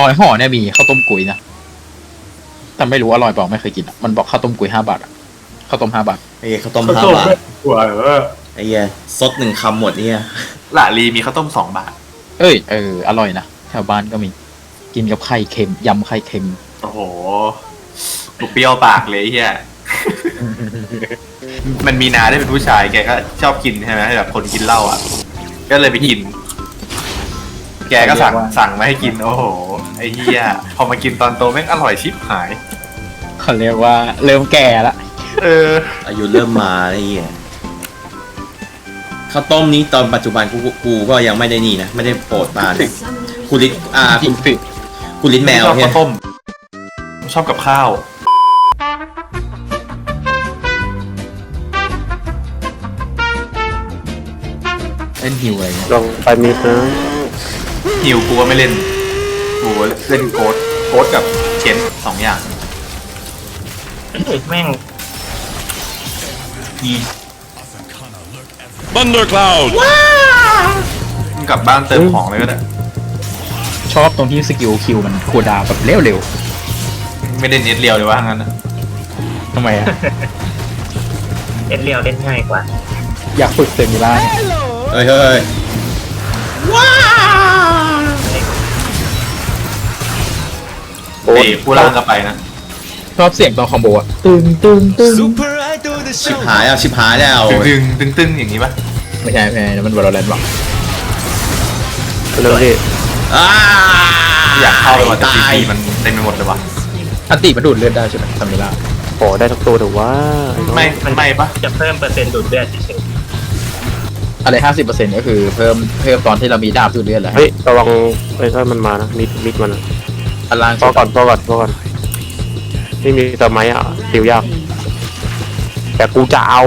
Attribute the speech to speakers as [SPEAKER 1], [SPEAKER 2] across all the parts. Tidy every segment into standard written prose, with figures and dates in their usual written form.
[SPEAKER 1] อยห่อเนี่ยมีข้าวต้มกุยนะแต่ไม่รู้อร่อยเปล่าไม่เคยกินอ่ะมันบอกข้าวต้มกุย5 บาทอ่ะข้าวต้ม5 บาท
[SPEAKER 2] ไอ้ข้าวต้ม5 บาท
[SPEAKER 3] หัว
[SPEAKER 2] ไอ้เหี้ยซด1 คำหมดเนี่ย
[SPEAKER 3] หล่าลีมีข้าวต้ม2 บาท
[SPEAKER 1] อร่อยนะแถวบ้านก็มีกินกับไข่เค็มยำไข่เค็ม
[SPEAKER 3] โอ้โหกูเปรี้ยวปากเลยเฮียมันมีนาได้เป็นผู้ชายแกก็ชอบกินใช่ไหมแบบคนกินเหล้าอ่ะก็เลยไปกิน แกก็สั่งมาให้กินโอ้โหไอ้เฮียพอมากินตอนโตแม่งอร่อยชิบหาย
[SPEAKER 1] เขาเรียกว่าเริ่มแก่ละ
[SPEAKER 2] อายุเริ่มมาไอ้เหี้ยข้าวต้มนี้ตอนปัจจุบันกูก็ยังไม่ได้นี่นะไม่ได้โปรดปรานนะคุณลิ้นคุณลิ้นแมว
[SPEAKER 3] ชอบ
[SPEAKER 2] เนี่
[SPEAKER 3] ข้าวย ต้มชอบกับข้าว
[SPEAKER 1] เล่นหิวอะไรเงี้ย
[SPEAKER 4] ลองไปมีนะ
[SPEAKER 3] หิวกูก็ไม่เล่นกูเล่นโค้ดกับเชน2 อย่าง
[SPEAKER 5] แม่ง
[SPEAKER 6] Thundercloud
[SPEAKER 3] มึงกลับบ้านเติมของเลยก็ได้
[SPEAKER 1] ชอบตรงที่สกิลคิวมันคูลดาวน์แบบเร็ว
[SPEAKER 3] ไม่ได้เน็ตเรียวเลยว่างั้นนะ
[SPEAKER 1] ๆทำไมอ่ะ
[SPEAKER 5] เล่นเรียวเล่นง่ายกว่า
[SPEAKER 1] อยากฝึกเซมิล่า
[SPEAKER 2] เฮ้ย
[SPEAKER 3] เอ้ผู้ล่างก็ไปนะ
[SPEAKER 1] ชอบเสียงตอนคอมโบอ่ะตึงตึงตึง
[SPEAKER 2] ชิบหายแล้ว
[SPEAKER 3] ตึงอย่างนี้ปะ
[SPEAKER 1] ไม่ใช่มันวอลเลนต์หรอก
[SPEAKER 4] เรื่องที่
[SPEAKER 3] อยากเข้าไปว่าแต่
[SPEAKER 2] ตาย
[SPEAKER 3] ซีมันเต็มไปหมดเลยวะ
[SPEAKER 1] อันติมันดูดเลือดได้ใช่ไหมซามิล่า
[SPEAKER 4] ขอได้ทุกตัวแต่ว่า
[SPEAKER 3] ไม่ปะ
[SPEAKER 5] จะเพิ่มเปอร์เซ็นต์ดูดเลือดเฉย
[SPEAKER 1] อะไร50%ก็คือเพิ่มตอนที่เรามีดาบดูดเลือดแหละ
[SPEAKER 4] เฮ้ยระวังไอ้ถ้ามันมานะมิดมัน
[SPEAKER 1] อันล่าง
[SPEAKER 4] พอก่อนไม่มีสมัยอ่ะติวยากแต่กูจะเอา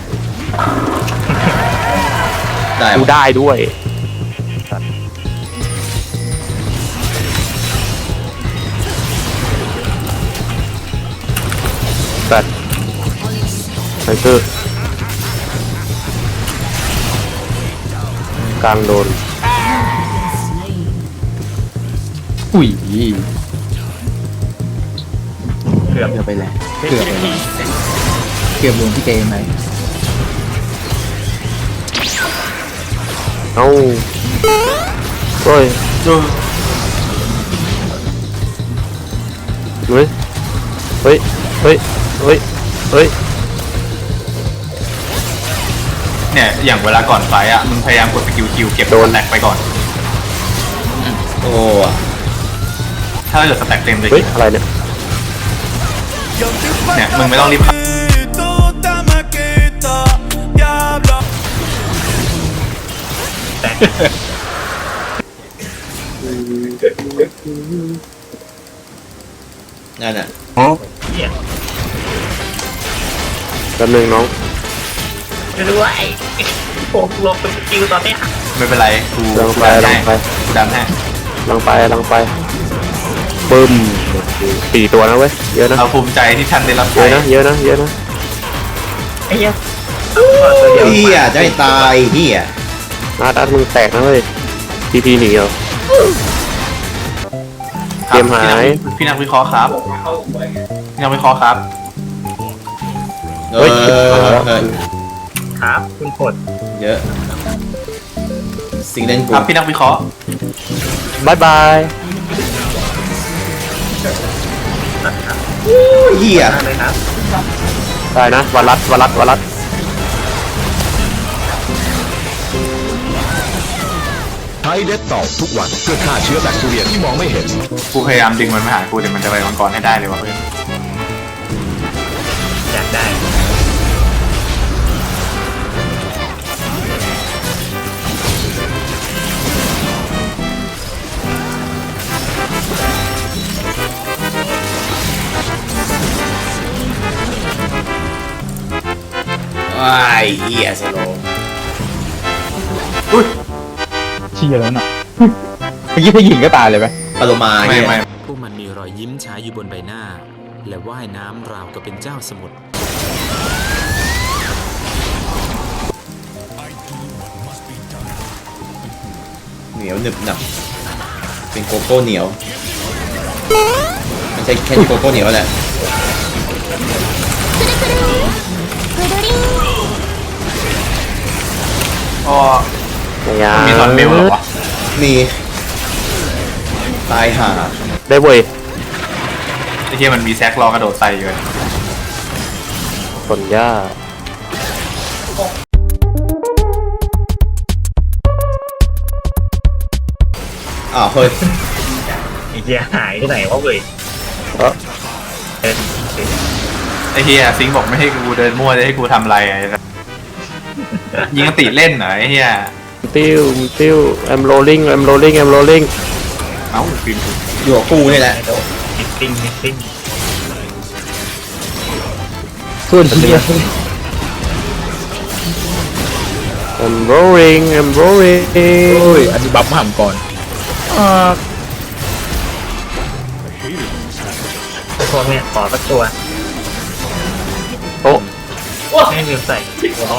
[SPEAKER 2] ได้
[SPEAKER 4] กูได้ด้วยแต่ไอ้คือกลางโดน
[SPEAKER 1] อุ้ย
[SPEAKER 5] เกือบ
[SPEAKER 1] เกือบไปแล้วเกือบลงที่เกมไหม
[SPEAKER 4] เอ้าเฮ้ยเฮ้ยเฮ้ยเฮ้ยเฮ้ยเฮ้ย
[SPEAKER 3] เนี่ยอย่างเวลาก่อนไฟอ่ะมึงพยายามกดสกิลคิวเก็บสแต็กไปก่อน
[SPEAKER 2] โอ้
[SPEAKER 3] ถ้าเกิดสแต็กเต็มเลย
[SPEAKER 4] เฮ้ยอะไรเนี่ย
[SPEAKER 3] เนี่ยมึงไม่ต้องรีบ
[SPEAKER 2] นั่นอ่ะ
[SPEAKER 5] เหี้ย
[SPEAKER 4] แป๊บนึงน้อง
[SPEAKER 5] ด้วยโอ้ลงเป็นสกิลตอนเนี้ย
[SPEAKER 3] ไม่เป็นไรกู
[SPEAKER 4] ลังไป
[SPEAKER 3] ดันให้
[SPEAKER 4] ลังไปปึ้ม4 ตัวนะเว้ยเยอะนะ
[SPEAKER 3] เราภูมิใจที่ท่านได้รับ
[SPEAKER 4] เย
[SPEAKER 3] ใช้
[SPEAKER 4] อะนะ
[SPEAKER 5] ไอ้เหี้ย
[SPEAKER 2] เฮียจะให้ตายเฮีย
[SPEAKER 4] นัดมึงแตกนะเว้ยทีหนีเหรอ เกมหาย
[SPEAKER 3] พี่นักวิเคราะห์ครับพี่นักวิเคราะห์ครับ
[SPEAKER 2] เฮ้ย
[SPEAKER 5] ครับคุณผล
[SPEAKER 2] เยอะสิ่งเล่นกู
[SPEAKER 3] ครับพี่นักวิเคราะห์
[SPEAKER 4] บายบาย
[SPEAKER 2] เฮีย
[SPEAKER 5] มากเลยครับ
[SPEAKER 4] ได้นะวัลัด
[SPEAKER 6] ใช้เด็ดต่อทุกวันเพื่อฆ่าเชื้อแบคทีเรียที่มองไม่เห็น
[SPEAKER 3] กูพยายามดึงมันมาหากูแต่มันจะไปมังกรให้ได้เลยวะเพื่อน
[SPEAKER 5] อยากได้
[SPEAKER 2] ว้ายเฮียสโลว์
[SPEAKER 3] อุ้ย
[SPEAKER 1] เชี่ยแล้วน่ะเมื่อกี้ถ้ายิงก็ตายเลยไหม
[SPEAKER 2] ปาโลมาเฮีย
[SPEAKER 3] ไม่
[SPEAKER 7] พวกมันมีรอยยิ้มฉายอยู่บนใบหน้า และว่ายน้ำราวกับเป็นเจ้าสมุทร
[SPEAKER 2] เหนียวหนึบหนับเป็นโกโก้เหนียวไม่ใช่แค่ที่โกโก้เหนียวแหละ
[SPEAKER 3] อ๋อ
[SPEAKER 4] อย่า
[SPEAKER 3] มีตอนเมลเหรอวะ
[SPEAKER 2] มีตายห่า
[SPEAKER 4] ได้เว้ย
[SPEAKER 3] ไอ้เหี้ยมันมีแซกรอกระโดดใส่อยู่เลย
[SPEAKER 4] ผลย่า
[SPEAKER 2] อ้าวเฮ้ย
[SPEAKER 5] ไอ้เหี้ยหายที่ไหนวะเว้ย
[SPEAKER 4] เออ
[SPEAKER 5] เดิน
[SPEAKER 3] ไอ้เหี้ยซิงค์บอกไม่ให้กูเดินมั่วจะให้กูทำอะไรอะยิงกติเล่นเหรอไอ้เหี้ย
[SPEAKER 4] ติ้วI'm rolling I'm rolling I'm rolling
[SPEAKER 3] เอ้าฟิล์ม
[SPEAKER 2] อยู่กับกูนี่แหละ
[SPEAKER 5] ไม่โดนมิสซิ่งมิสซิ่ง
[SPEAKER 1] ส่วนเฮีย
[SPEAKER 4] I'm rolling I'm rolling
[SPEAKER 1] โอ้ยอันนี้บัฟมาหามก่อน
[SPEAKER 5] พวกเนี้ยขอสักตัว
[SPEAKER 4] โอ้
[SPEAKER 5] ไม่ลืมใส่หัวร้อน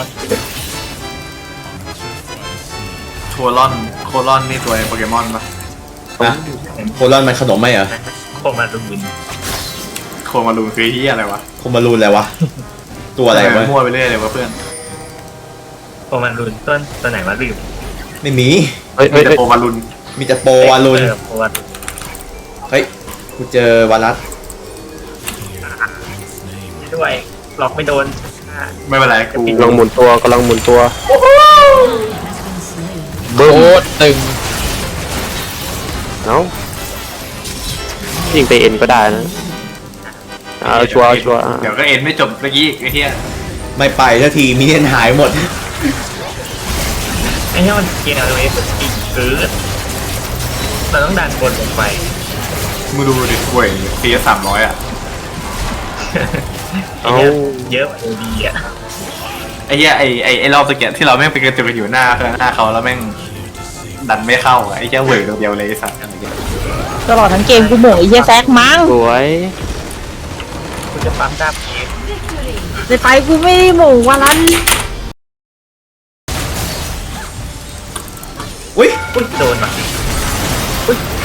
[SPEAKER 3] โคลอนนี่ตัวในโปเกมอนปะ
[SPEAKER 2] นะโคลอนมันขนมไหมเหรอ
[SPEAKER 5] โคมาดูน
[SPEAKER 3] โคมารูนคือเหี้ยอะไรวะ
[SPEAKER 2] โคมารูนอะไรวะ ตัวอะไรวะ
[SPEAKER 3] มั่วไปเรื่อยเลยวะเพื่อน
[SPEAKER 5] โคมาดูนตัวไหนวะลืม
[SPEAKER 2] ไม่มี
[SPEAKER 4] เฮ้ย
[SPEAKER 3] มี
[SPEAKER 4] เฮ้ย
[SPEAKER 3] แต่
[SPEAKER 4] เฮ้ย
[SPEAKER 3] โคมารุน
[SPEAKER 2] มีแต่โปวารุน
[SPEAKER 5] โคมาดูน
[SPEAKER 2] เฮ้ย กูเจอวารัส
[SPEAKER 5] ด้วยหลอกไม่โดน
[SPEAKER 3] ไม่เป็นไรกู
[SPEAKER 4] กำลังหมุนตัวกำลังหมุนตัว
[SPEAKER 1] โคตรตึง
[SPEAKER 4] เอ้ายิงไปเอ็นก็ได้นะเอาชัวร์ชัวร์อ่ะ
[SPEAKER 3] เดี๋ยวก็เอ็นไม่จบเมื่อกี้ไอ้เหี้ย
[SPEAKER 2] ไม่ไปสักทีมีเนียนหายหมด
[SPEAKER 5] ไอ้เหี้ยมันเกียร์เลยสุดจริงคือเราต้องดันบนลงไป
[SPEAKER 3] มึงดูดิห่วยตี300อ่ะ
[SPEAKER 5] ไอ้เหี้ยเยอะกว่าดีอ่ะ
[SPEAKER 3] ไอ้เหี้ยไอ้รอบตะเกียบที่เราแม่งไปกระจุกกันอยู่หน้าเขาแล้วแม่งดันไม่เข้าอะไอ้เหี้ยเหวยตัวเดียวเลยไอ้สัตว์
[SPEAKER 8] ตลอดทั้งเกมกูโหม่ไอ้เหี้ยแซกมั้ง
[SPEAKER 4] สวย
[SPEAKER 5] กูจะปั๊มดาบเอง
[SPEAKER 8] ในไฟกูไม่ได้โหม่วันนั้น
[SPEAKER 2] อุ้ย
[SPEAKER 5] อุ้ยโดนว่ะอุ้ย